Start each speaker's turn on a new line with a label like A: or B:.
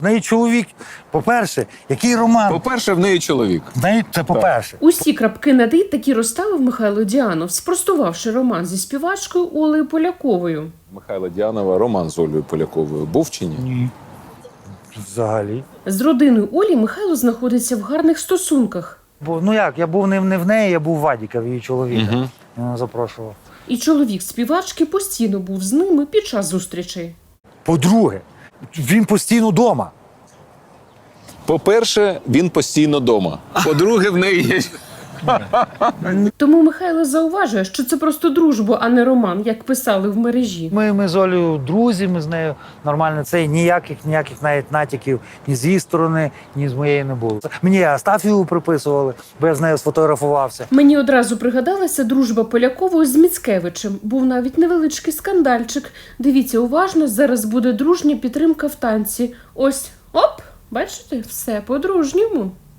A: В неї чоловік, по-перше, який роман?
B: По-перше, в неї чоловік.
A: В неї це по-перше.
C: Усі крапки над «і» таки розставив Михайло Діанов, спростувавши роман зі співачкою Олею Поляковою.
B: Михайла Діанова роман з Олею Поляковою був чи ні?
A: Ні. Взагалі.
C: З родиною Олі Михайло знаходиться в гарних стосунках.
A: Бо, ну як, я був не в неї, я був в Вадіка, в її чоловіка.
B: Угу.
A: Він запрошував.
C: І чоловік співачки постійно був з ними під час зустрічей.
A: По-друге, він постійно вдома.
B: По-перше, він постійно вдома. По-друге, в неї є...
C: Тому Михайло зауважує, що це просто дружба, а не роман, як писали в мережі.
A: Ми з Олею друзі, ми з нею нормально. Це ніяких навіть натяків ні з її сторони, ні з моєї не було. Мені Астафію приписували, бо я з нею сфотографувався.
C: Мені одразу пригадалася дружба Полякової з Міцкевичем. Був навіть невеличкий скандальчик. Дивіться уважно, зараз буде дружня підтримка в танці. Ось, оп, бачите, все по-дружньому.